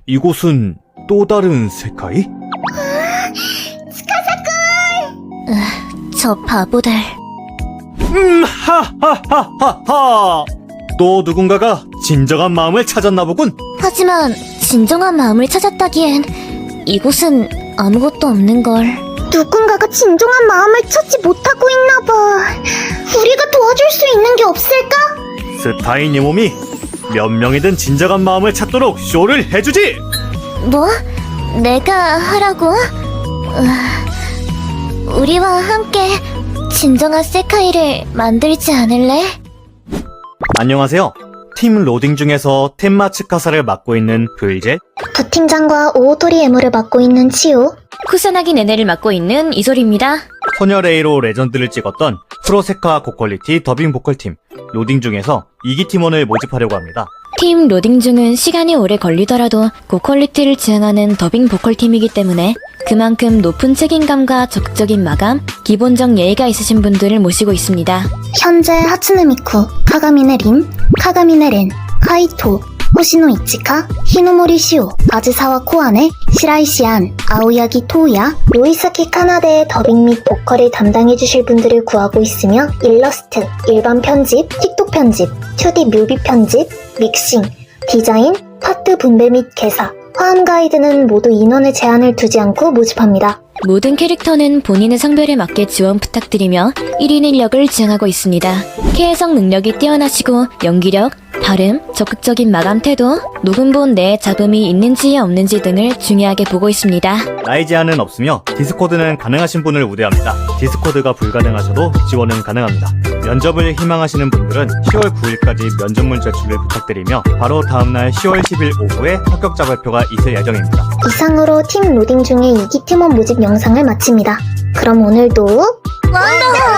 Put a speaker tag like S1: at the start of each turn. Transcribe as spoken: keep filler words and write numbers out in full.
S1: 이곳은 또 다른 세카이?
S2: 저 바보들.
S1: 음, 하하하하하! 또 누군가가 진정한 마음을 찾았나 보군.
S2: 하지만 진정한 마음을 찾았다기엔 이곳은 아무것도 없는걸.
S3: 누군가가 진정한 마음을 찾지 못하고 있나봐. 우리가 도와줄 수 있는 게 없을까?
S1: 스타인의 몸이 몇 명이든 진정한 마음을 찾도록 쇼를 해주지!
S2: 뭐? 내가 하라고? 으, 우리와 함께 진정한 세카이를 만들지 않을래?
S1: 안녕하세요. 팀 로딩 중에서 텐마 츠카사를 맡고 있는 불제.
S3: 부팀장과 오오토리 에무를 맡고 있는 치오.
S2: 쿠사나기 네네를 맡고 있는 이솔입니다.
S1: 소녀 레이로 레전드를 찍었던 프로세카 고퀄리티 더빙 보컬팀 로딩 중에서 이 기 팀원을 모집하려고 합니다.
S2: 팀 로딩 중은 시간이 오래 걸리더라도 고퀄리티를 지향하는 더빙 보컬팀이기 때문에 그만큼 높은 책임감과 적극적인 마감, 기본적 예의가 있으신 분들을 모시고 있습니다.
S3: 현재 하츠네 미쿠, 카가미네 린, 카가미네 렌, 카이토, 호시노 이치카, 히노모리 시오, 아즈사와 코아네, 시라이 시안, 아오야기 토우야, 요이사키 카나데의 더빙 및 보컬을 담당해주실 분들을 구하고 있으며 일러스트, 일반 편집, 틱톡 편집, 투디 뮤비 편집, 믹싱, 디자인, 파트 분배 및 개사, 화음 가이드는 모두 인원의 제한을 두지 않고 모집합니다.
S2: 모든 캐릭터는 본인의 성별에 맞게 지원 부탁드리며 일 인 일 역을 지향하고 있습니다. 캐해석 능력이 뛰어나시고 연기력, 발음, 적극적인 마감 태도, 녹음본 내에 잡음이 있는지 없는지 등을 중요하게 보고 있습니다.
S1: 나이 제한은 없으며 디스코드는 가능하신 분을 우대합니다. 디스코드가 불가능하셔도 지원은 가능합니다. 면접을 희망하시는 분들은 시월 구일까지 면접문 제출을 부탁드리며 바로 다음날 시월 십일 오후에 합격자 발표가 있을 예정입니다.
S3: 이상으로 팀 로딩 중에 이 기 팀원 모집 영상을 마칩니다. 그럼 오늘도
S2: 완더!